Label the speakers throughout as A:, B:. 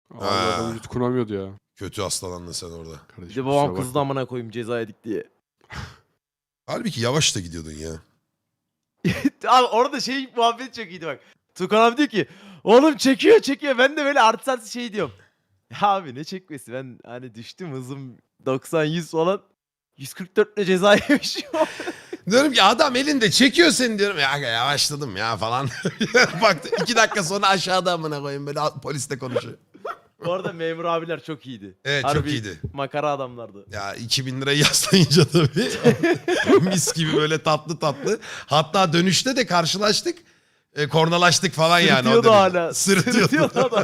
A: Abi adam yutkunamıyordu ya.
B: Kötü hastalandın sen orada.
C: Bir
A: Kardeşim,
C: de babam
A: kusura
C: kızdı amına koyayım ceza yedik diye.
B: Halbuki yavaş da gidiyordun ya.
C: Abi orada şey muhabbet çok iyiydi bak. Tukan abi diyor ki oğlum çekiyor çekiyor. Ben de böyle artist şey diyorum. Ya abi ne çekmesi, ben hani düştüm hızım 90-100 falan. 144 ile ceza yemişim.
B: Diyorum ki adam elinde çekiyor seni diyorum. Ya yavaşladım ya falan. Baktı 2 dakika sonra aşağıda amına koyayım böyle polisle konuşuyor.
C: Bu arada memur abiler çok iyiydi.
B: Evet, çok
C: Harbi
B: iyiydi.
C: makara adamlardı.
B: Ya 2000 lirayı yaslayınca tabii. Mis gibi böyle tatlı tatlı. Hatta dönüşte de karşılaştık. Kornalaştık falan yani. O
C: Sırıtıyordu
B: derece.
C: hala.
B: Sırıtıyordu.
C: adam.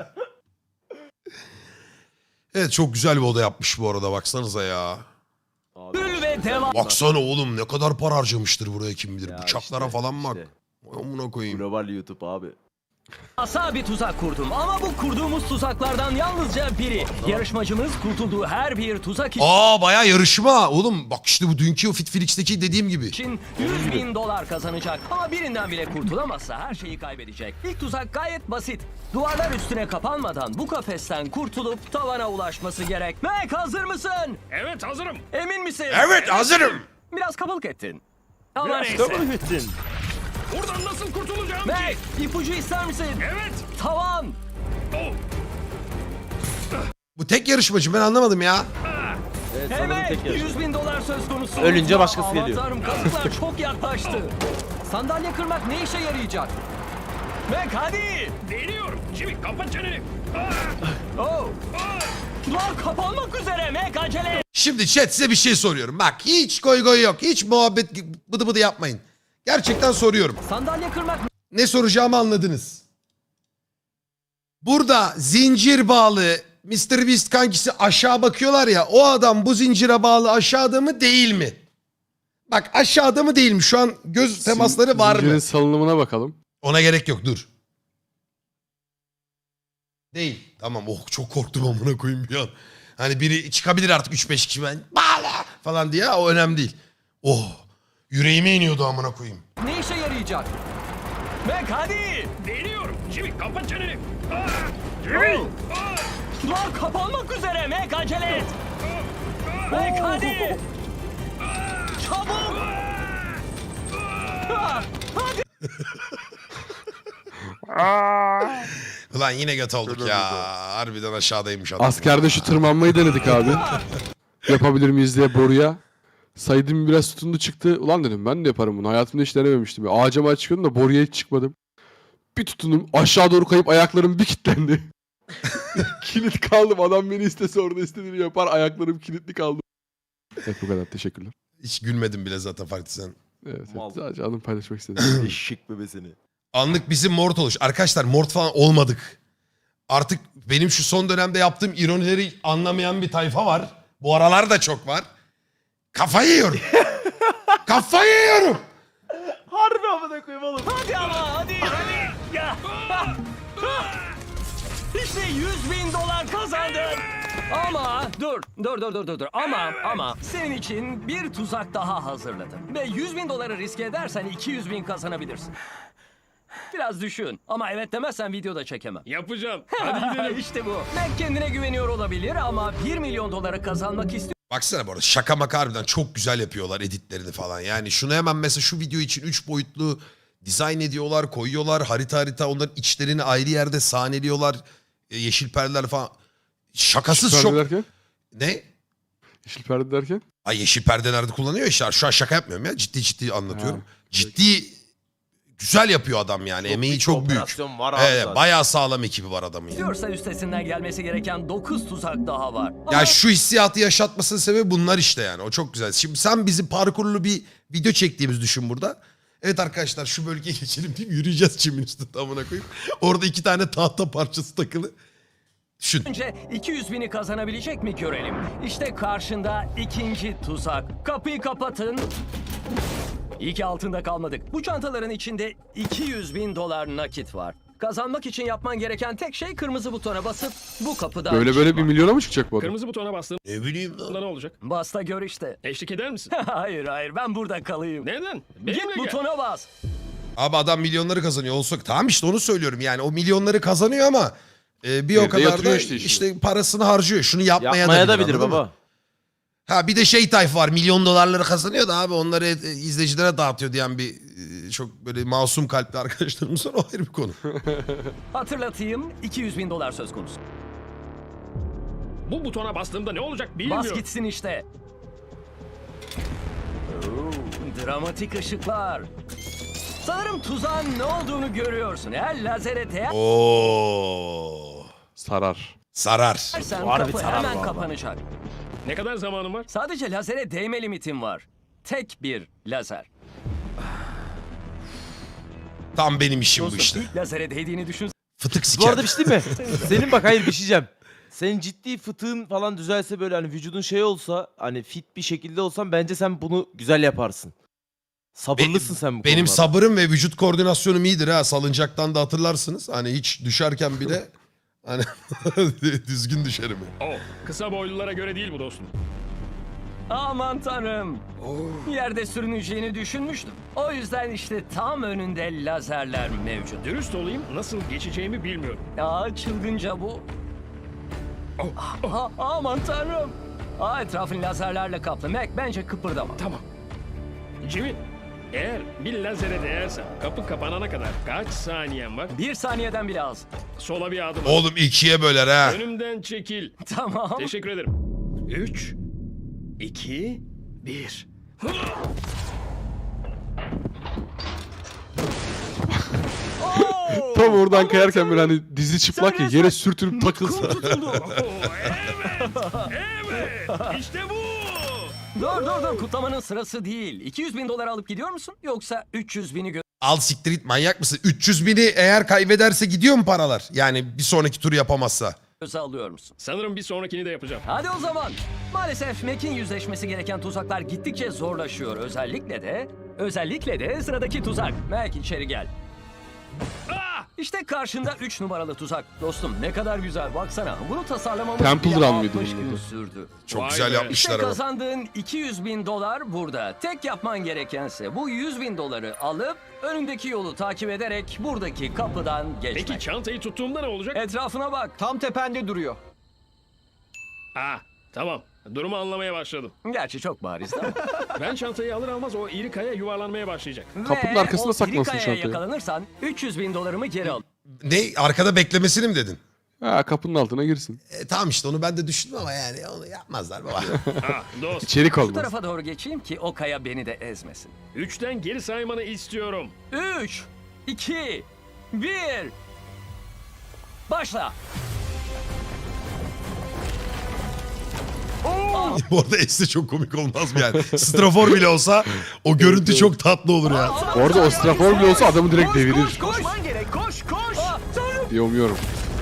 B: Evet, çok güzel bir oda yapmış bu arada, baksanıza ya.
C: Abi,
D: Ve devam.
B: Baksana oğlum, ne kadar para harcamıştır buraya kim bilir.
C: ya
B: Bıçaklara
C: işte,
B: falan bak.
C: işte.
B: Amına koyayım.
C: Global YouTube abi.
D: Asa bir tuzak kurdum ama bu kurduğumuz tuzaklardan yalnızca biri. Yarışmacımız kurtulduğu her bir tuzak
B: Bayağı yarışma. Oğlum bak işte bu dünkü o Fitflix'teki dediğim gibi.
D: için 100 bin dolar kazanacak. Ama birinden bile kurtulamazsa her şeyi kaybedecek. İlk tuzak gayet basit. Duvarlar üstüne kapanmadan bu kafesten kurtulup tavana ulaşması gerek. Mac hazır mısın?
E: Evet hazırım.
D: Emin misin?
B: Evet, hazırım.
D: Biraz kabalık ettin. Ama neyse.
C: Kabul ettin.
E: Buradan nasıl kurtulacağım
D: Mac
E: ki?
D: ipucu ister misin?
E: Evet.
D: Tavan.
E: Oh.
B: Bu tek yarışmacı, ben anlamadım ya.
C: Evet, sanırım
D: Evet,
C: tek yarışma.
D: 100 bin dolar söz konusu.
C: Ölünce başkası
D: Aman
C: geliyor.
D: Tanrım, kazıklar çok yaklaştı. Sandalye kırmak ne işe yarayacak? Mac hadi.
E: Deniyorum. Jimmy kapat çeneni. Ah.
D: Oh. Duvar kapanmak üzere Mac acele et.
B: Şimdi chat, size bir şey soruyorum. Bak hiç goy goy yok. Hiç muhabbet bıdı bıdı yapmayın. Gerçekten soruyorum.
D: Sandalye kırmak
B: Ne soracağımı anladınız. Burada zincir bağlı Mr. Beast kankisi aşağı bakıyorlar ya. O adam bu zincire bağlı aşağıda mı değil mi? Bak aşağıda mı değil mi? Şu an göz temasları var
A: Zincirin
B: mı?
A: salınımına bakalım.
B: Ona gerek yok, dur. Değil. Tamam, oh çok korktum amına koyayım bir an. Hani biri çıkabilir artık 3-5 kişi ben bağla falan diye, o önemli değil. Oh yüreğime iniyordu amına koyayım.
D: ne işe yarayacak? Mac hadi.
E: Deniyorum. Jimmy kapat çeneni. Ah. Jimmy.
D: Oh.
E: Ah.
D: Duvar kapanmak üzere Mac acele et. Mac hadi. Çabuk. Ah, hadi.
B: Ulan yine göt olduk ya. Harbiden aşağıdaymış adam.
A: Askerde şu tırmanmayı denedik abi. Yapabilir miyiz diye boruya. Saydım biraz tutundu çıktı. Ulan dedim ben de yaparım bunu. Hayatımda hiç denememiştim. Ağaca maç çıkıyordum da boruya hiç çıkmadım. Bir tutundum. Aşağı doğru kayıp ayaklarım bir kilitlendi. Kilit kaldım. Adam beni istese orada istediğini yapar. Ayaklarım kilitli kaldı. Evet, bu kadar. Teşekkürler.
B: Hiç gülmedim bile zaten farklı sen.
A: Evet,
C: Mal.
A: sadece anımı paylaşmak istedim.
C: Eşek bebesini.
B: Anlık bizim mort oluş. Arkadaşlar mort falan olmadık. Artık benim şu son dönemde yaptığım ironileri anlamayan bir tayfa var. Bu aralar da çok var. Kafayı yiyorum. Kafayı yiyorum.
C: Harbi amına koyayım oğlum.
D: Hadi ama hadi. Ya. İşte 100 bin dolar kazandın. Ama dur. Ama senin için bir tuzak daha hazırladım. Ve 100 bin doları riske edersen 200 bin kazanabilirsin. Biraz düşün. Ama evet demezsen videoda çekemem.
E: Yapacağım. Hadi gidelim.
D: İşte bu. Mac kendine güveniyor olabilir ama 1 milyon doları kazanmak istiyor.
B: Baksana bu arada şaka maka harbiden çok güzel yapıyorlar editlerini falan. Yani şunu hemen mesela şu video için 3 boyutlu dizayn ediyorlar, koyuyorlar. Harita onların içlerini ayrı yerde sahneliyorlar. Yeşil perdeler falan. Şakasız
A: Yeşil
B: çok...
A: perde derken?
B: Ne?
A: Yeşil perde derken?
B: Ay yeşil perde nerede kullanıyor işte. Şu an şaka yapmıyorum ya. Ciddi anlatıyorum.
A: Ha,
B: Ciddi güzel yapıyor adam yani. Emeği çok büyük.
C: Operasyon var abi
B: Evet,
C: zaten.
B: bayağı sağlam ekibi var adamın. Yani.
D: Diyorsa üstesinden gelmesi gereken 9 tuzak daha var.
B: Ya şu hissiyatı yaşatmasının sebebi bunlar işte yani. O çok güzel. Şimdi sen bizi parkurlu bir video çektiğimiz düşün burada. Evet arkadaşlar şu bölgeye geçelim deyip yürüyeceğiz çimin üstünde amına koyayım. Orada 2 tane tahta parçası takılı. Düşün.
D: Önce 200 bini kazanabilecek mi görelim. İşte karşında ikinci tuzak. Kapıyı kapatın. İyi ki altında kalmadık. Bu çantaların içinde 200 bin dolar nakit var. Kazanmak için yapman gereken tek şey kırmızı butona basıp bu kapıdan
A: Böyle
D: çıkmak.
A: 1 milyona mı çıkacak bu adam?
E: Kırmızı butona bastığımda
B: Ne bileyim lan.
E: ne olacak?
D: Bas da gör işte.
E: Eşlik eder misin?
D: hayır ben burada kalayım.
E: Neden?
D: Git
E: Benimle gel.
D: butona bas.
B: Abi adam milyonları kazanıyor olsa tamam işte onu söylüyorum yani o milyonları kazanıyor ama Bir o
A: Evde
B: kadar
A: yatırıyor
B: da
A: işte
B: işte,
A: işini.
B: parasını harcıyor. Şunu yapmaya,
C: Yapmaya da
B: bilir,
C: bilir
B: anladın mı?
C: baba.
B: Ha bir de şey tayfa var. Milyon dolarları kazanıyor da abi onları izleyicilere dağıtıyor diyen bir çok böyle masum kalpli arkadaşlarımız var. O ayrı bir konu.
D: Hatırlatayım, 200 bin dolar söz konusu.
E: Bu butona bastığımda ne olacak
D: Bas
E: bilmiyorum.
D: gitsin işte. Dramatik ışıklar. Sanırım tuzağın ne olduğunu görüyorsun. Eğer lazere değersen
B: Oo.
A: Sarar.
B: Sarar.
C: Harbi
D: kapı
C: sarar
D: hemen
C: vallahi.
D: kapanacak.
E: Ne kadar zamanım var?
D: Sadece lazere değme limitim var. Tek bir lazer.
B: Tam benim işim bu
D: Dostum,
B: işte.
D: ilk lazere değdiğini düşün.
B: Fıtık
C: Bu
B: siker.
C: arada bir şey değil mi? Senin bak hayır bir şey diyeceğim. Senin ciddi fıtığın falan düzelse böyle hani vücudun şey olsa hani fit bir şekilde olsan bence sen bunu güzel yaparsın. Sabırlısın sen bu
B: Benim
C: konularda.
B: sabırım ve vücut koordinasyonum iyidir ha. Salıncaktan da hatırlarsınız. Hani hiç düşerken bile hani düzgün düşerim.
E: Oh, kısa boylulara göre değil bu dostum.
D: Aman tanrım. Yerde sürüneceğini düşünmüştüm. O yüzden işte tam önünde lazerler mevcut.
E: Dürüst olayım, nasıl geçeceğimi bilmiyorum.
D: Çılgınca bu. Aman tanrım. Etrafın lazerlerle kaplı. Mac bence kıpırdama.
E: Tamam. Jimmy, eğer bir lazere değersem kapı kapanana kadar kaç saniyen var?
D: 1 saniyeden bile az.
E: Sola bir adım at.
B: Oğlum ikiye böler ha.
E: Önümden çekil.
D: Tamam.
E: Teşekkür ederim. 3, 2, 1.
A: Tam oradan kayarken böyle hani dizi çıplak ya yere sürtünüp takılsa.
E: Evet, evet. İşte bu.
D: Dur kutlamanın sırası değil. 200 bin dolar alıp gidiyor musun? Yoksa 300 bini
B: Al siktir git, manyak mısın? 300 bini eğer kaybederse gidiyor mu paralar? Yani bir sonraki turu yapamazsa.
D: göze alıyor musun?
E: Sanırım bir sonrakini de yapacağım.
D: Hadi o zaman. Maalesef Mac'in yüzleşmesi gereken tuzaklar gittikçe zorlaşıyor. Özellikle de sıradaki tuzak. Mac içeri gel. İşte karşında 3 numaralı tuzak. Dostum ne kadar güzel baksana. Bunu tasarlamamız
A: Temple
D: bile
A: Run mıydı
D: 60
A: bunun
D: gün
A: adı?
D: sürdü.
B: Çok
E: Vay
B: güzel
E: be.
B: yapmışlar
D: İşte
B: ama.
D: kazandığın 200 bin dolar burada. Tek yapman gerekense bu 100 bin doları alıp önündeki yolu takip ederek buradaki kapıdan geçmek.
E: Peki çantayı tuttuğumda ne olacak?
D: Etrafına bak.
F: Tam tepende duruyor.
E: Tamam. Durumu anlamaya başladım.
D: Gerçi çok bariz ama.
E: Ben çantayı alır almaz o iri kaya yuvarlanmaya başlayacak.
A: Kapının
D: Ve
A: arkasına
D: o
A: saklansın
D: iri kayaya
A: çantayı.
D: yakalanırsan 300 bin dolarımı geri al.
B: Ne? Arkada beklemesini mi dedin?
A: Ha, kapının altına girsin.
B: Tamam işte onu ben de düşündüm ama yani onu yapmazlar baba.
E: Dost.
A: İçerik
D: Bu
A: olmaz.
D: tarafa doğru geçeyim ki o kaya beni de ezmesin.
E: 3'ten geri saymanı istiyorum.
D: 3, 2, 1. Başla.
B: Bu arada Es'te çok komik olmaz mı yani? Strafor bile olsa o görüntü çok tatlı olur ya.
A: Bu arada o strafor bile olsa adamı direkt devirir.
D: Koşman gerek. Koş. Tanrım.
A: Yomuyorum.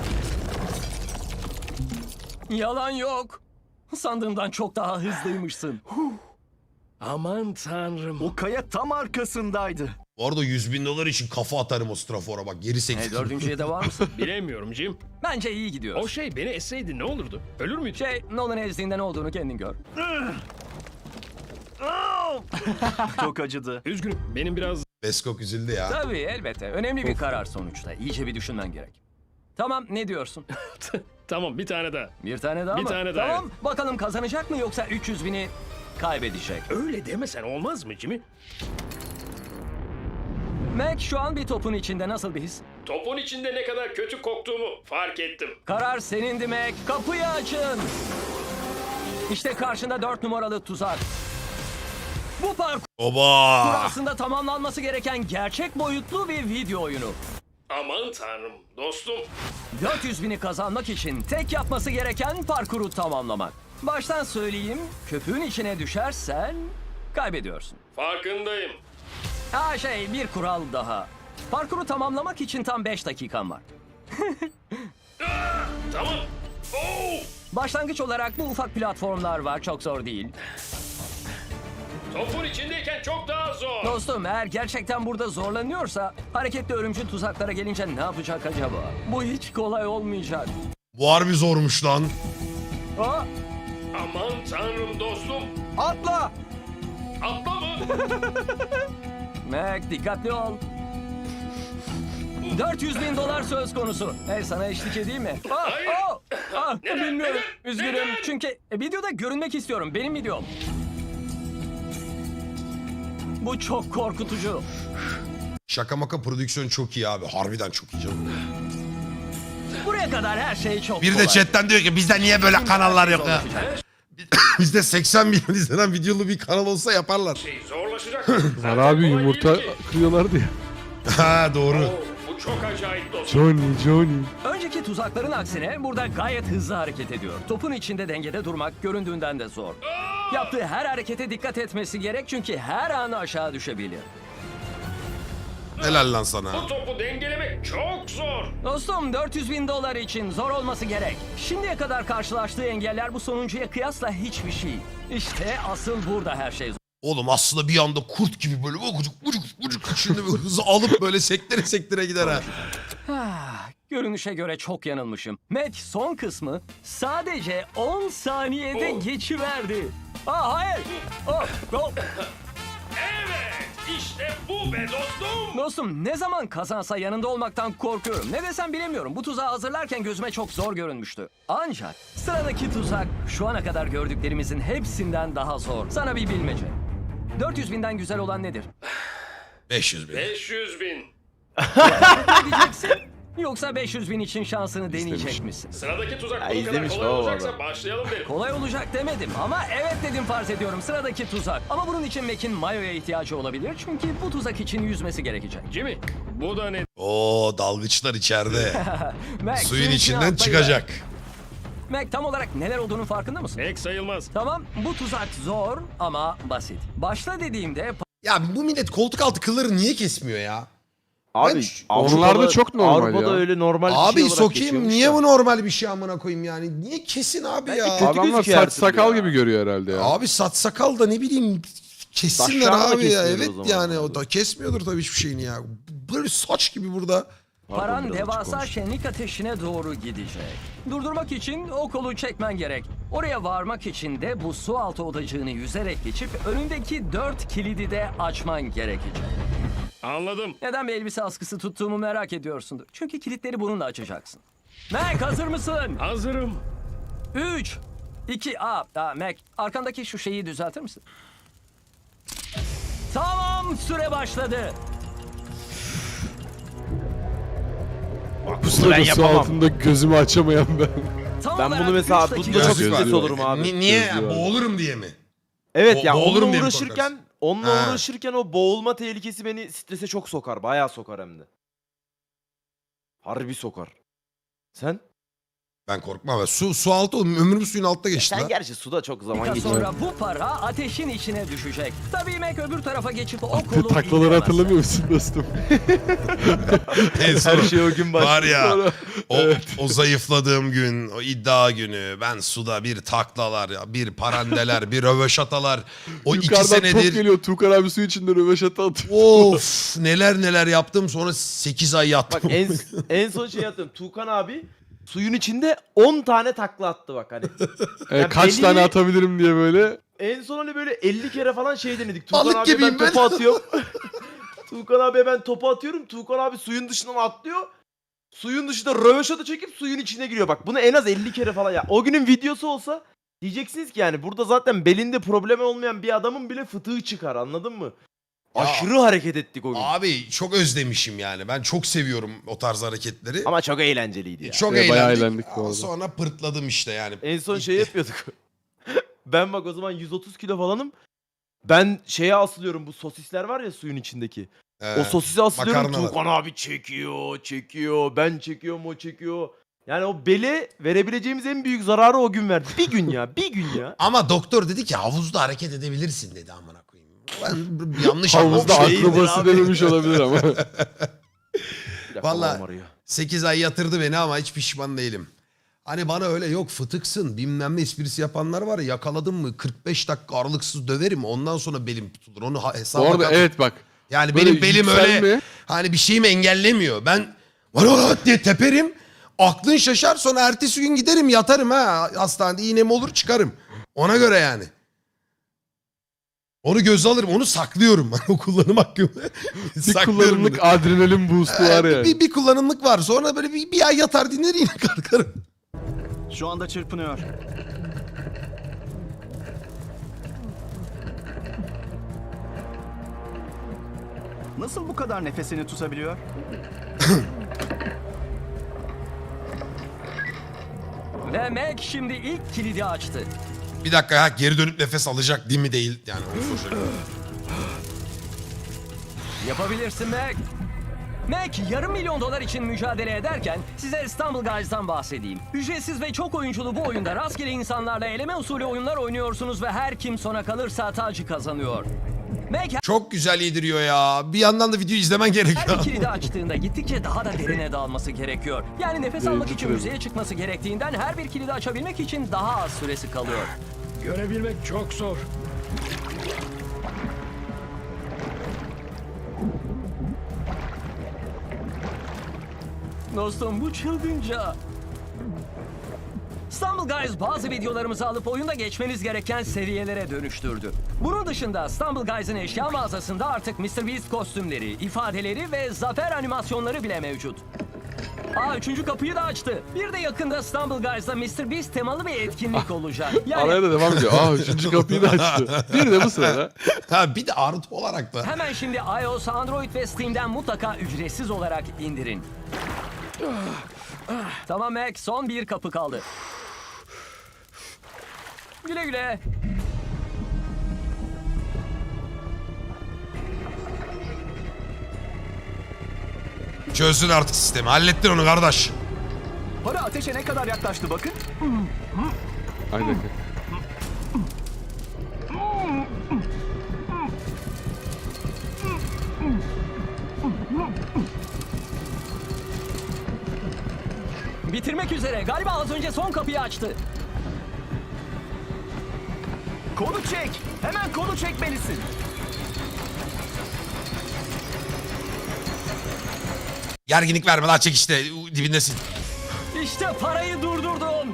D: Yalan yok. Sandığımdan çok daha hızlıymışsın.
E: Aman tanrım.
F: O kaya tam arkasındaydı.
B: Bu arada 100 bin dolar için kafa atarım o strafora bak geri sektir.
D: Dördüncüye de var mısın?
E: Bilemiyorum Jim.
D: Bence iyi gidiyoruz.
E: O şey beni esseydi ne olurdu? Ölür müydü?
D: Nolan ezdiğinde ne olduğunu kendin gör.
F: Çok acıdı.
E: Üzgünüm. Benim biraz...
B: Beskok üzüldü ya.
D: Tabii elbette. Önemli bir karar sonuçta. İyice bir düşünmen gerek. Tamam ne diyorsun?
E: Tamam bir tane daha.
D: Bir tane daha
E: Bir
D: mı?
E: tane daha,
D: Tamam bakalım kazanacak mı yoksa 300 bini kaybedecek.
E: Öyle demesen olmaz mı Jimmy?
D: Mac şu an bir topun içinde nasıl bir his?
E: Topun içinde ne kadar kötü koktuğumu fark ettim.
D: Karar senindi Mac. Kapıyı açın. İşte karşında 4 numaralı tuzak. Bu parkur
B: Oba!
D: aslında tamamlanması gereken gerçek boyutlu bir video oyunu.
E: Aman tanrım dostum.
D: 400 bini kazanmak için tek yapması gereken parkuru tamamlamak. Baştan söyleyeyim, köpüğün içine düşersen kaybediyorsun.
E: Farkındayım.
D: Bir kural daha. Parkuru tamamlamak için tam 5 dakikan var.
E: Tamam. Oo!
D: Başlangıç olarak bu ufak platformlar var, çok zor değil.
E: Topun içindeyken çok daha zor.
D: Dostum eğer gerçekten burada zorlanıyorsa hareketli örümcül tuzaklara gelince ne yapacak acaba? Bu hiç kolay olmayacak.
B: Bu harbi zormuş lan.
D: Aa,
E: Aman tanrım dostum.
F: Atla!
E: Atla mı?
D: Mac dikkatli ol. $400.000 söz konusu. Hey, sana eşlik edeyim mi? Bilmiyorum. Üzgünüm. Çünkü videoda görünmek istiyorum. Benim videom. Bu çok korkutucu.
B: Şaka maka prodüksiyon çok iyi abi. Harbiden çok iyi canım.
D: Buraya kadar her şey çok
B: Bir
D: kolay.
B: de chatten diyor ki bizde niye böyle kanallar yok ya? Bizde 80 milyon izlenen videolu bir kanal olsa yaparlar.
E: Zorlaşacak.
A: Var abi yumurta kırıyorlardı ya.
B: Ha doğru.
E: Bu çok acayip dostum.
A: Johnny.
D: Önceki tuzakların aksine burada gayet hızlı hareket ediyor. Topun içinde dengede durmak göründüğünden de zor. Yaptığı her harekete dikkat etmesi gerek çünkü her an aşağı düşebilir.
B: Helal lan sana.
E: Bu topu dengelemek çok zor.
D: Dostum, $400.000 için zor olması gerek. Şimdiye kadar karşılaştığı engeller bu sonuncuya kıyasla hiçbir şey. İşte asıl burada her şey zor.
B: Oğlum aslında bir anda kurt gibi böyle ucuk şimdi böyle hızı alıp böyle sektire sektire gider ha.
D: Görünüşe göre çok yanılmışım. Mac son kısmı sadece 10 saniyede geçiverdi. Hayır.
E: Evet, işte bu be dostum.
D: Dostum, ne zaman kazansa yanında olmaktan korkuyorum. Ne desem bilemiyorum. Bu tuzağı hazırlarken gözüme çok zor görünmüştü. Ancak sıradaki tuzak şu ana kadar gördüklerimizin hepsinden daha zor. Sana bir bilmece. 400.000'den güzel olan nedir?
B: 500 bin.
E: 500 bin.
D: Ne diyeceksin? Yoksa 500.000 için şansını deneyecek misin?
E: Sıradaki tuzak
C: Ya
E: bu kadar
C: izlemiş
E: kolay
C: baba
E: olacaksa
C: adam.
E: başlayalım derim.
D: Kolay olacak demedim ama evet dedim, farz ediyorum. Sıradaki tuzak. Ama bunun için Mac'in mayoya ihtiyacı olabilir. Çünkü bu tuzak için yüzmesi gerekecek.
E: Jimmy, bu da ne?
B: Oo dalgıçlar içeride.
D: Mac,
B: Suyun
D: içine
B: içinden
D: atlayıver.
B: çıkacak.
D: Mac, tam olarak neler olduğunun farkında mısın?
E: Pek sayılmaz.
D: Tamam, bu tuzak zor ama basit. Başla dediğimde
B: Ya bu millet koltuk altı kılları niye kesmiyor ya?
C: Abi
B: Ben-
A: Onlarda çok normal
C: Avrupa'da
A: ya.
C: öyle normal bir
B: Abi
C: şey olarak
B: sokayım
C: geçiyormuş
B: niye
C: da.
B: bu normal bir şey amına koyayım yani? Niye kesin abi
C: Bence
B: ya?
C: kötü
A: Adamlar
C: gözüküyor her
A: saç
C: türlü
A: sakal
C: ya.
A: gibi görüyor herhalde ya.
B: Abi saç sakal da ne bileyim kessinler
C: Saçlarını da
B: abi ya.
C: kesmiyordur
B: Evet
C: o zaman.
B: yani o da kesmiyordur tabii hiçbir şeyini ya. Böyle saç gibi burada.
D: paran
C: biraz açık
D: devasa
C: konuş.
D: şenlik ateşine doğru gidecek. Durdurmak için o kolu çekmen gerek. Oraya varmak için de bu su altı odacığını yüzerek geçip önündeki 4 kilidi de açman gerekecek.
E: Anladım.
D: Neden bir elbise askısı tuttuğumu merak ediyorsundur. Çünkü kilitleri bununla açacaksın. Mac, hazır mısın?
E: Hazırım.
D: 3, 2, Mac, arkandaki şu şeyi düzeltir misin? Tamam, süre başladı.
A: Bu sırada su
C: yapamam.
A: altında gözümü açamayan ben.
D: Tam
C: Ben
D: olarak
C: bunu mesela
D: 3 dakika
C: bunda çok
B: Gözlüğü
C: stres
B: var.
C: olurum abi.
B: Niye?
A: Gözlüğü var.
B: Boğulurum diye mi?
C: Evet ya
B: Boğulurum
C: onunla
B: diye mi
C: uğraşırken
B: Ha.
C: o boğulma tehlikesi beni strese çok sokar. Bayağı sokar hem de. Harbi sokar. Sen?
B: Ben korkmam. Su altı oğlum. Ömrüm suyun altta geçti
C: Sen
B: lan.
C: gerçi suda çok zaman
D: dakika
C: geçiyor.
D: sonra bu para ateşin içine düşecek. Tabii Mac öbür tarafa geçip o kolu
A: Taklaları
D: indiremezse.
A: hatırlamıyor musun dostum?
B: En son
C: Her şey o gün başlıyor.
B: var ya o zayıfladığım gün, o iddia günü ben suda bir taklalar, ya, bir parandeler, bir röveşatalar. O 2
A: Yukarıdan top
B: senedir
A: geliyor. Tuğkan abi su içinde röveşata atıyor.
B: of neler yaptım sonra 8 ay yattım.
C: Bak en son şey yaptım. Tuğkan abi suyun içinde 10 tane takla attı bak hani. Ya
A: Kaç
C: belli-
A: tane atabilirim diye böyle.
C: En son hani böyle 50 kere falan şey denedik. Tuğkan
B: Balık
C: abi
B: gibiyim
C: ben
B: ben.
C: topu atıyorum. Tuğkan abi ben topu atıyorum. Tuğkan abi suyun dışından atlıyor. Suyun dışında röveşata çekip suyun içine giriyor. Bak bunu en az 50 kere falan ya. O günün videosu olsa diyeceksiniz ki yani burada zaten belinde problemi olmayan bir adamın bile fıtığı çıkar, anladın mı?
B: Ya.
C: Aşırı hareket ettik o gün.
B: Abi çok özlemişim yani. Ben çok seviyorum o tarz hareketleri.
C: Ama çok eğlenceliydi ya.
B: Çok
A: Bayağı
B: eğlendik.
A: eğlendik bu arada.
B: Sonra pırtladım işte yani.
C: En son şey yapıyorduk. Ben bak o zaman 130 kilo falanım. Ben şeye asılıyorum, bu sosisler var ya suyun içindeki. O sosisi asılıyorum,
B: makarnalar.
C: Tuğkan abi çekiyor. Ben çekiyorum, o çekiyor. Yani o bele verebileceğimiz en büyük zararı o gün verdi. Bir gün ya.
B: Ama doktor dedi ki havuzda hareket edebilirsin dedi amına koyayım. Ben yanlış
A: Havuzda
B: anlamışım.
C: şeydir
A: akrobası
C: abi.
A: denemiş olabilir ama.
C: Bir dakika,
B: Vallahi-
C: babam arıyor.
B: 8 ay yatırdı beni ama hiç pişman değilim. Hani bana öyle yok fıtıksın bilmem ne esprisi yapanlar var ya, yakaladım mı 45 dakika aralıksız döverim ondan sonra belim tutulur. Onu hesaba
A: Bu arada
B: kat.
A: evet bak.
B: Yani
A: böyle
B: benim belim öyle
A: yükselme-
B: hani bir şeyimi engellemiyor. Ben valla diye teperim. Aklın şaşar, sonra ertesi gün giderim yatarım ha. Hastanede iğnem olur çıkarım. Ona göre yani. Onu göze alırım. Onu saklıyorum. O kullanım hakkımı.
A: Bir
B: Saklıyorum
A: kullanımlık
B: bunu.
A: adrenalin boost'u var yani.
B: Bir kullanımlık var. Sonra böyle bir ay yatar dinler yine kalkarım.
F: Şu anda çırpınıyor. Nasıl bu kadar nefesini tutabiliyor?
D: Ve Mac şimdi ilk kilidi açtı.
B: Bir dakika ya, geri dönüp nefes alacak değil mi değil. Yani onu soracağım.
D: Yapabilirsin Mac. Mac yarım milyon dolar için mücadele ederken size Stumble Guys'dan bahsedeyim. Ücretsiz ve çok oyunculu bu oyunda rastgele insanlarla eleme usulü oyunlar oynuyorsunuz ve her kim sona kalırsa tacı kazanıyor. Mac
B: Çok güzel yediriyor ya. Bir yandan da videoyu izlemen
D: her
B: gerekiyor.
D: bir kilidi açtığında gittikçe daha da derine dalması gerekiyor. Yani nefes almak için
A: tabii.
D: yüzeye çıkması gerektiğinden her bir kilidi açabilmek için daha az süresi kalıyor.
E: Görebilmek çok zor.
D: Dostum bu çılgınca. Stumble Guys bazı videolarımızı alıp oyunda geçmeniz gereken seviyelere dönüştürdü. Bunun dışında Stumble Guys'ın eşya mağazasında artık MrBeast kostümleri, ifadeleri ve zafer animasyonları bile mevcut. Üçüncü kapıyı da açtı. Bir de yakında Stumble Guys'da MrBeast temalı bir etkinlik olacak.
A: Araya
D: Yani
A: da devam ediyor. Üçüncü kapıyı da açtı. Bir de bu sırada.
B: Ha, bir de artı olarak da.
D: hemen şimdi iOS, Android ve Steam'den mutlaka ücretsiz olarak indirin. Tamam Mac, son bir kapı kaldı. Güle güle.
B: Çözsün artık sistemi. Hallettin onu kardeş.
F: Para ateşe ne kadar yaklaştı bakın.
A: Aynen.
D: Bitirmek üzere. Galiba az önce son kapıyı açtı.
F: Kolu çek. Hemen kolu çekmelisin.
B: Gerginlik verme daha, çek işte. Dibindesin.
D: İşte parayı durdurdum.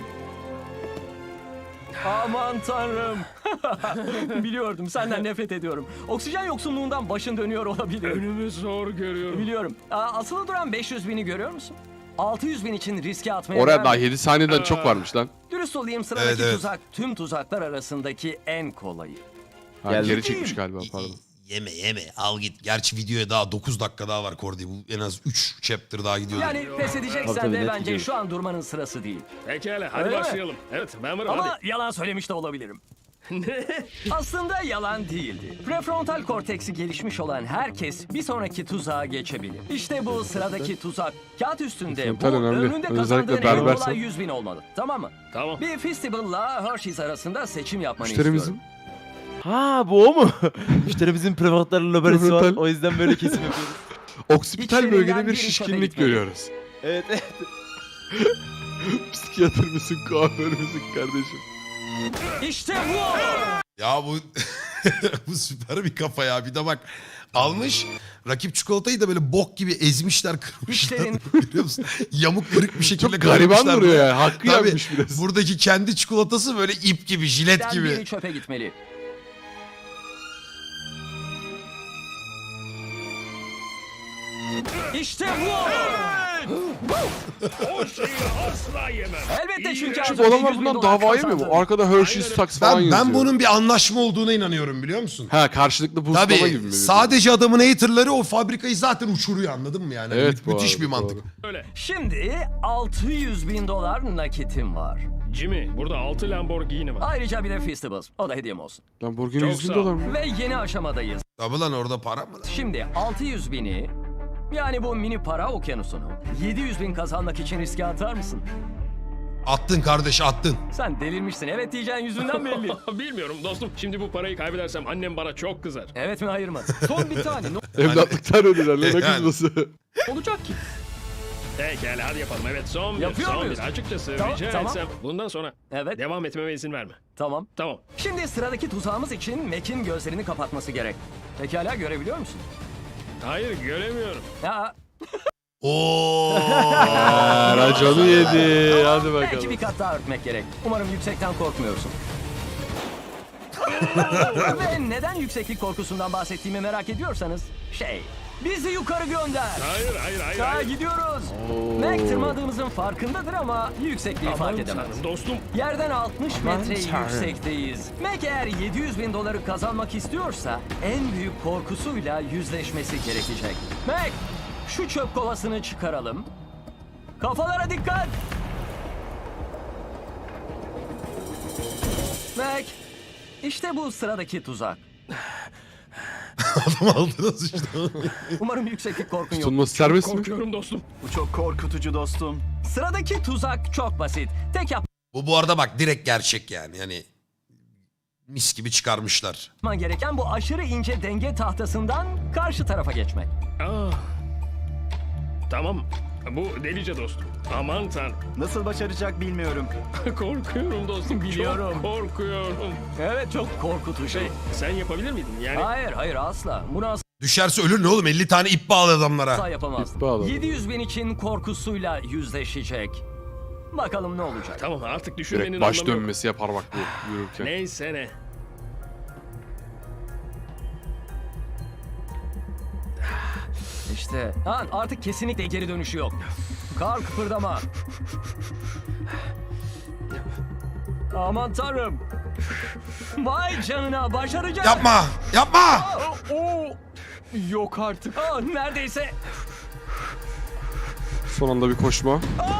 D: Aman tanrım. Biliyordum, senden nefret ediyorum. Oksijen yoksunluğundan başın dönüyor olabilir.
E: Önümü zor görüyorum.
D: Biliyorum. Asılı duran 500 bini görüyor musun? 600 bin için riske atmaya
A: Oraya
D: değer
A: daha
D: mi?
A: 7 saniyeden çok varmış lan.
D: Dürüst olayım, sıradaki
B: Evet.
D: tuzak tüm tuzaklar arasındaki en kolayı.
C: Geldi.
A: Geri çekmiş galiba pardon.
B: Yeme al git. Gerçi videoya daha 9 dakika daha var Kordi. Bu en az 3 chapter daha gidiyor.
D: Yani pes edeceksen
C: Tabii,
D: de
C: net
D: bence
C: gidiyor.
D: şu an durmanın sırası değil.
E: Pekala hadi
D: Öyle mi?
E: başlayalım. Evet ben varım
D: Ama
E: hadi.
D: yalan söylemiş de olabilirim. Aslında yalan değildi. Prefrontal korteksi gelişmiş olan herkes bir sonraki tuzağa geçebilir. İşte bu sıradaki tuzak. Kağıt üstünde bu
A: Prefrontal önemli.
D: önünde
A: Özellikle
D: kazandığın en
A: berbersen.
D: kolay 100 bin olmalı. Tamam mı?
E: Tamam.
D: Bir Festival'la Hershey's arasında seçim yapmanı
A: Müşterimizin
D: istiyorum.
C: Ha bu o mu? Müşterimizin prefrontal lobesi var.
A: Prefrontal.
C: O yüzden böyle kesim yapıyoruz.
A: oksipital
D: İçlerinden
A: bölgede bir
D: biri çöpe
A: şişkinlik
D: gitmeli.
A: görüyoruz.
C: Evet evet.
A: Psikiyatr mısın, kuaför müsün kardeşim?
D: İşte bu!
B: Ya bu bu süper bir kafa ya. Bir de bak, almış rakip çikolatayı da böyle bok gibi ezmişler, kırmışlar.
D: İşlerin-
B: Biliyor musun? Yamuk kırık bir şekilde
A: Çok gariban
B: kırmışlar
A: duruyor
B: böyle.
A: yani. Hakkı
B: Tabii,
A: yenmiş biraz.
B: buradaki kendi çikolatası böyle ip gibi, jilet
D: Den
B: gibi.
D: biri çöpe gitmeli. İşte bu!
E: O şeyi asla yemem.
D: Elbette çünkü az
A: Çünkü
D: önce
A: adamlar
D: 100 bin
A: bundan
D: dolar
A: dava yemiyor mu?
D: kazandın.
A: Arkada Hershey's
E: Aynen.
A: Saks falan yazıyor.
B: Ben bunun bir anlaşma olduğuna inanıyorum, biliyor musun?
A: Ha, karşılıklı boostlama gibi
B: Tabii
A: mi?
B: sadece adamın haterları o fabrikayı zaten uçuruyor, anladın mı yani?
A: Evet, bu
B: Müthiş
A: arada,
B: bir mantık.
A: doğru.
E: Öyle.
D: Şimdi 600 bin dolar nakitim var.
E: Jimmy burada 6 Lamborghini var.
D: Ayrıca bir de Festivals. O da hediyem olsun.
A: Lamborghini
E: Çok
A: 100 bin
E: sağ ol.
A: dolar mı?
D: Ve yeni aşamadayız.
B: Tabii lan, orada para mı lan?
D: Şimdi 600 bini, yani bu mini para okyanusunu 700 bin kazanmak için riske atar mısın?
B: Attın kardeş, attın.
D: Sen delirmişsin. Evet diyeceğin yüzünden belli.
E: Bilmiyorum dostum. Şimdi bu parayı kaybedersem annem bana çok kızar.
D: Evet mi hayır mı?
F: Son bir tane.
A: Evlatlıktan ödüler lan, ne
B: Yani.
A: kızması.
D: Olacak ki.
E: Pekala hadi yapalım. Evet son bir.
D: Yapıyor
E: Son
D: muyuz?
E: bir. Açıkçası
D: Tamam,
E: rica
D: tamam.
E: etsem bundan sonra
D: Evet,
E: devam etmeme izin verme.
D: tamam.
E: Tamam.
D: Şimdi sıradaki tuzağımız için Mac'in gözlerini kapatması gerek. Pekala, görebiliyor musun?
E: Hayır göremiyorum.
D: Ya,
B: Oo.
A: Racanı yedi. Hadi
D: belki
A: bakalım.
D: bir kat daha örtmek gerek. Umarım yüksekten korkmuyorsun. Ve neden yükseklik korkusundan bahsettiğimi merak ediyorsanız bizi yukarı gönder.
E: Hayır.
D: Daha gidiyoruz. Mac tırmadığımızın farkındadır ama yüksekliği fark
E: Aman
D: edemez.
E: tanrım dostum.
D: Yerden 60 metre
C: tanrım.
D: yüksekteyiz. Mac eğer 700 bin doları kazanmak istiyorsa en büyük korkusuyla yüzleşmesi gerekecek. Mac, şu çöp kovasını çıkaralım. Kafalara dikkat. Mac, işte bu sıradaki tuzak.
B: Adam aldınız işte.
D: Umarım yükseklik korkun yok.
A: Tutunması serbest mi?
E: Korkuyorum dostum.
F: Bu çok korkutucu dostum.
D: Sıradaki tuzak çok basit. Tek
B: Bu arada bak direkt gerçek yani. Yani mis gibi çıkarmışlar.
D: yapman gereken bu aşırı ince denge tahtasından karşı tarafa geçmek.
E: Tamam. Bu delice dostum. Aman tanrım.
F: Nasıl başaracak bilmiyorum.
E: Korkuyorum dostum.
D: Biliyorum.
E: Çok korkuyorum.
D: Evet, çok korkutucu.
E: Sen yapabilir miydin? Yani
D: Hayır asla. Bunu
B: Düşerse ölür ne oğlum? 50 tane ip bağlı adamlara.
D: asla yapamaz.
A: İp bağladı.
D: 700 bin için korkusuyla yüzleşecek. Bakalım ne olacak.
E: tamam artık düşünmenin
A: Direkt baş
E: anlamı yok.
A: dönmesi yapar bak bu yürürken.
E: Neyse ne.
D: İşte artık kesinlikle geri dönüşü yok. Kar kıpırdama. Aman tanrım. Vay canına, başaracak.
B: Yapma! Yapma!
D: Yok artık. Neredeyse.
A: Son anda bir koşma.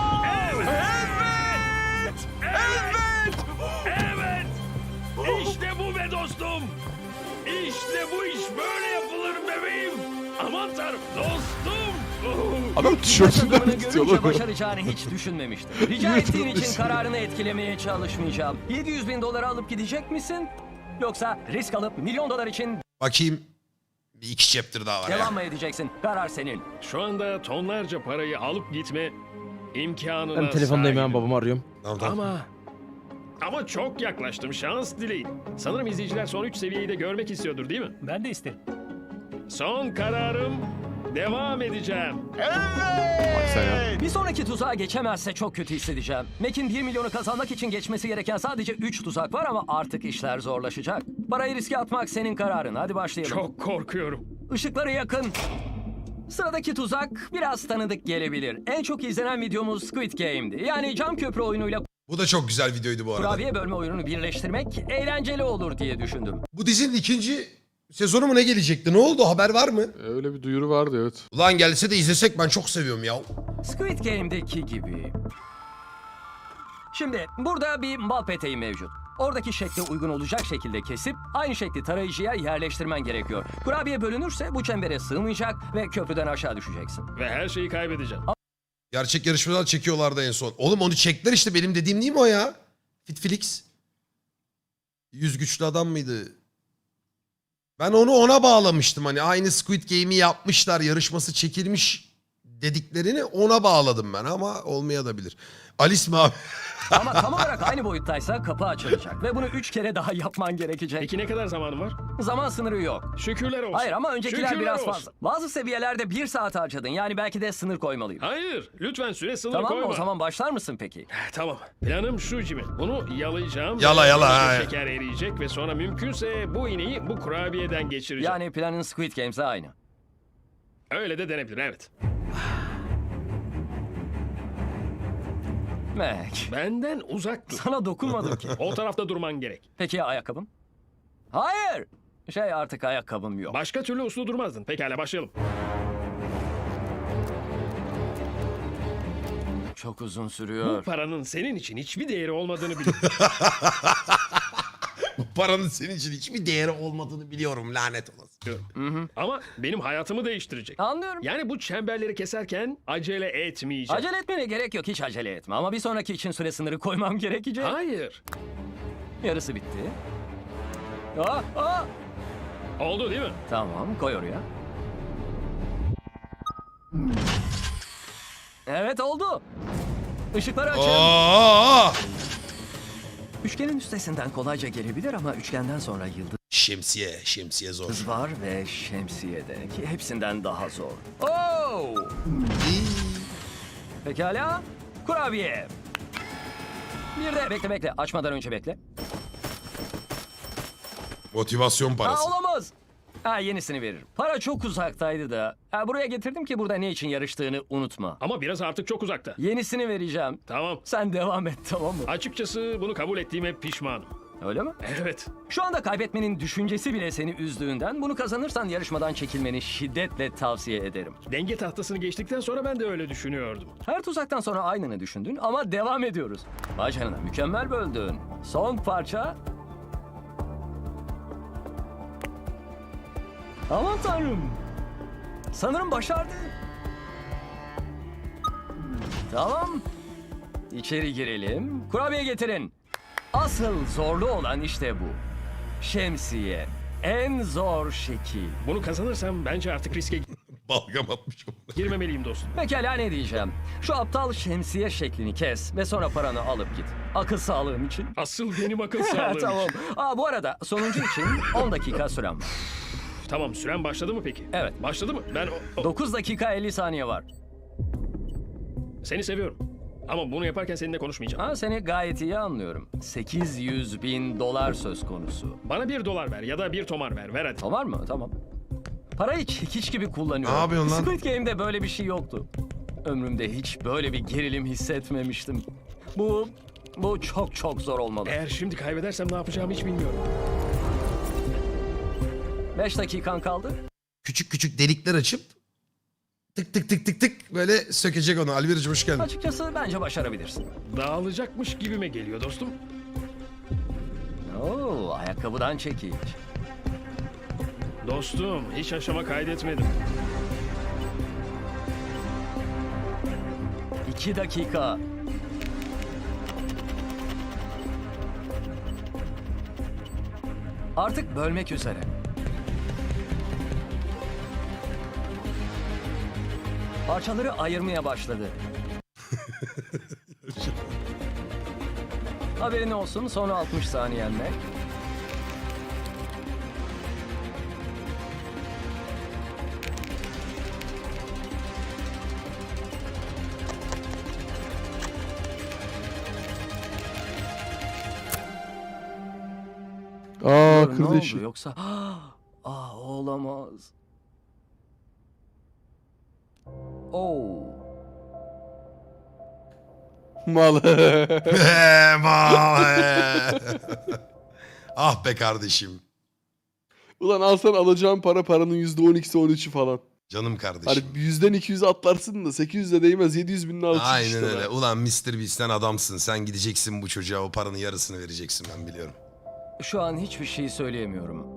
E: Evet. İşte bu be dostum. İşte bu iş böyle yapılır bebeğim. Aman tanrım dostum.
A: Adam tişörtünden
D: Takımını
A: tutuyor
D: görünce
A: lan.
D: başaracağını hiç düşünmemiştim. Rica ettiğin için kararını etkilemeye çalışmayacağım. 700 bin doları alıp gidecek misin? Yoksa risk alıp milyon dolar için
B: Bakayım. Bir iki chapter daha var ya.
D: devam mı edeceksin? Karar senin.
E: Şu anda tonlarca parayı alıp gitme imkanına
C: Ben telefondayım ya,
E: sahibim.
C: babamı arıyorum.
B: Tamam.
E: Ama çok yaklaştım. Şans dileyin. Sanırım izleyiciler son 3 seviyeyi de görmek istiyordur değil mi?
D: Ben de isterim.
E: Son kararım. Devam edeceğim.
A: Sen ya.
D: Bir sonraki tuzağa geçemezse çok kötü hissedeceğim. Mac'in 1 milyonu kazanmak için geçmesi gereken sadece 3 tuzak var ama artık işler zorlaşacak. Parayı riske atmak senin kararın. Hadi başlayalım.
E: Çok korkuyorum.
D: Işıkları yakın. Sıradaki tuzak biraz tanıdık gelebilir. En çok izlenen videomuz Squid Game'di. Yani cam köprü oyunuyla
B: Bu da çok güzel videoydu bu arada.
D: kurabiye bölme oyununu birleştirmek eğlenceli olur diye düşündüm.
B: Bu dizinin ikinci sezonu mu ne gelecekti? Ne oldu? Haber var mı?
A: Öyle bir duyuru vardı evet.
B: Ulan gelse de izlesek, ben çok seviyorum ya.
D: Squid Game'deki gibi. Şimdi burada bir bal peteği mevcut. Oradaki şekle uygun olacak şekilde kesip aynı şekli tarayıcıya yerleştirmen gerekiyor. Kurabiye bölünürse bu çembere sığmayacak ve köprüden aşağı düşeceksin.
E: Ve her şeyi kaybedeceğim.
B: Gerçek yarışmalar çekiyorlardı en son. Oğlum onu çektiler işte, benim dediğim değil mi o ya? Fitflix. 100 güçlü adam mıydı? Ben onu ona bağlamıştım, hani aynı Squid Game'i yapmışlar, yarışması çekilmiş dediklerini ona bağladım ben, ama olmayabilir. Alice mi abi?
D: Ama tam olarak aynı boyuttaysa kapı açılacak ve bunu 3 kere daha yapman gerekecek.
E: Peki ne kadar zamanım var?
D: Zaman sınırı yok.
E: Şükürler olsun.
D: Hayır ama öncekiler
E: Şükürler
D: biraz
E: olsun.
D: fazla. Bazı seviyelerde 1 saat harcadın. Yani belki de sınır koymalıyım.
E: Hayır. Lütfen süre sınırı
D: Tamam mı?
E: koyma.
D: O zaman başlar mısın peki?
E: Tamam. Planım şu Jimmy. Bunu yalayacağım.
B: Yala,
E: ve
B: yala,
E: böylece
B: ha.
E: şeker eriyecek ve sonra mümkünse bu ineği bu kurabiyeden geçireceğim.
D: Yani planın Squid Games'e aynı.
E: Öyle de denebilir evet.
D: Mac,
E: Benden uzak dur.
D: sana dokunmadım ki.
E: O tarafta durman gerek.
D: Peki ya ayakkabım? Hayır. Artık ayakkabım yok.
E: Başka türlü uslu durmazdın. Pekala başlayalım.
D: Çok uzun
E: Bu
D: sürüyor.
E: paranın senin için hiçbir değeri olmadığını biliyorum.
B: Bu paranın senin için hiçbir değeri olmadığını biliyorum, lanet olası.
E: Ama benim hayatımı değiştirecek.
D: Anlıyorum.
E: Yani bu çemberleri keserken acele etmeyeceğim.
D: Acele etmene gerek yok. Hiç acele etme. Ama bir sonraki için süre sınırı koymam gerekecek.
E: Hayır.
D: Yarısı bitti.
E: Oldu değil mi?
D: Tamam, koy oraya. Evet oldu. Işıkları açın.
B: Oo!
D: Üçgenin üstesinden kolayca gelebilir ama üçgenden sonra yıldız
B: Şemsiye zor.
D: var ve şemsiye de ki hepsinden daha zor. Oo! Pekala. Kurabiye. Bir de bekle açmadan önce bekle.
B: Motivasyon parası.
D: Olamaz. Yenisini veririm. Para çok uzaktaydı da. Buraya getirdim ki burada ne için yarıştığını unutma.
E: Ama biraz artık çok uzakta.
D: Yenisini vereceğim.
E: Tamam.
D: Sen devam et, tamam mı?
E: Açıkçası bunu kabul ettiğime pişmanım.
D: Öyle mi?
E: Evet.
D: Şu anda kaybetmenin düşüncesi bile seni üzdüğünden bunu kazanırsan yarışmadan çekilmeni şiddetle tavsiye ederim.
E: Denge tahtasını geçtikten sonra ben de öyle düşünüyordum.
D: Her tuzaktan sonra aynını düşündün ama devam ediyoruz. Vay canına, mükemmel böldün. Son parça. Aman tanrım. Sanırım başardı. Tamam. İçeri girelim. Kurabiye getirin. Asıl zorlu olan işte bu. Şemsiye. En zor şekil.
E: Bunu kazanırsam bence artık riske
B: Balgam atmış.
E: girmemeliyim dostum.
D: Pekala, ne diyeceğim? Şu aptal şemsiye şeklini kes ve sonra paranı alıp git. Akıl sağlığım için.
E: Asıl benim akıl sağlığım.
D: Tamam. Bu arada sonuncu için 10 dakika süren var.
E: Tamam, süren başladı mı peki?
D: Evet.
E: Başladı mı? Ben
D: 9 dakika 50 saniye var.
E: seni seviyorum. Ama bunu yaparken seninle konuşmayacağım.
D: Seni gayet iyi anlıyorum. 800.000 dolar söz konusu.
E: Bana $1 ver ya da bir tomar ver. Ver hadi.
D: Tamam mı? Tamam. Parayı çekiç gibi kullanıyorum.
B: Ne yapıyorsun lan?
D: Squid Game'de böyle bir şey yoktu. Ömrümde hiç böyle bir gerilim hissetmemiştim. Bu çok zor olmalı.
E: Eğer şimdi kaybedersem ne yapacağımı hiç bilmiyorum.
D: 5 dakikan kaldı.
B: Küçük küçük delikler açıp tık tık tık tık tık böyle sökecek onu. Alviricim hoş geldin.
D: Açıkçası bence başarabilirsin.
E: Dağılacakmış gibime geliyor dostum.
D: Ayakkabıdan çekiç.
E: Dostum, hiç aşama kaydetmedim.
D: 2 dakika. Artık bölmek üzere. Parçaları ayırmaya başladı. Haberin olsun, sonra 60 saniyen var. Ne
A: Kırdı
D: oldu
A: işi.
D: yoksa? Olamaz.
A: Mal.
B: Ah be kardeşim.
A: Ulan alsan alacağın paranın %12'si 13'ü falan.
B: Canım
A: Hani
B: kardeşim.
A: 100'den 200'e atlarsın da 800'e değmez, 700.000'in alırsın
B: Aynen
A: işte
B: öyle.
A: lan.
B: Ulan Mr. Beast'ten adamsın. Sen gideceksin bu çocuğa o paranın yarısını vereceksin ben biliyorum.
D: Şu an hiçbir şey söyleyemiyorum.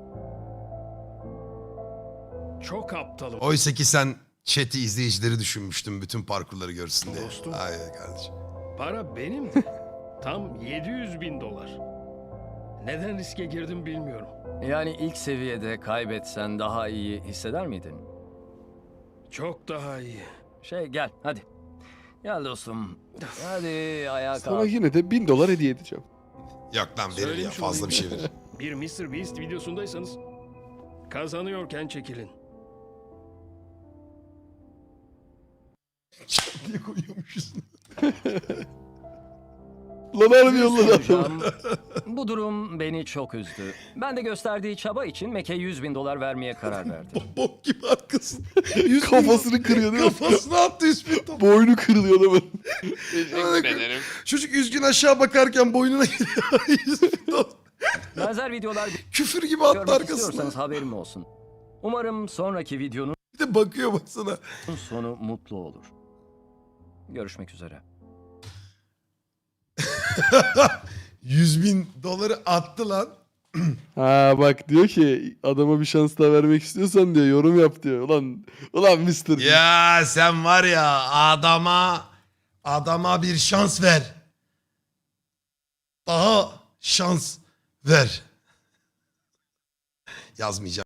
E: Çok aptalım.
B: Oysa ki sen chat'i izleyicileri düşünmüştün bütün parkurları görsün diye.
E: Dostum.
B: Aynen kardeşim.
E: Para benimdi. Tam $700.000. Neden riske girdim bilmiyorum.
D: Yani ilk seviyede kaybetsen daha iyi hisseder miydin?
E: Çok daha iyi.
D: Gel hadi. Gel dostum. Hadi ayağa
A: Sana
D: kalk.
A: yine de $1000 hediye edeceğim.
B: Yok lan verir ya
E: Söylemiş
B: fazla
E: olayım.
B: bir şey verir.
E: Bir Mr. Beast videosundaysanız kazanıyorken çekilin.
B: diye koyuyormuşuz.
A: Lan harbi
D: Dürüst
A: yolladı adamı.
D: olacağım. Bu durum beni çok üzdü. Ben de gösterdiği çaba için Mac'e $100.000 vermeye karar verdim.
B: Bok gibi arkasında.
A: Kafasını kırıyor değil mi?
B: Kafasına attı 100 bin top.
A: Boynu kırılıyor adamın.
B: Çocuk üzgün aşağı bakarken boynuna giriyor. 100 bin dolar.
D: Benzer videolar
B: Küfür gibi attı
D: görmek
B: arkasına.
D: istiyorsanız haberim olsun. Umarım sonraki videonun
B: Bir de bakıyor baksana.
D: sonu mutlu olur. Görüşmek üzere.
B: 100 bin doları attı lan.
A: Bak diyor ki adama bir şans daha vermek istiyorsan diyor yorum yap diyor. Ulan Mr.
B: Ya sen var ya adama bir şans ver. Daha şans ver. Yazmayacağım.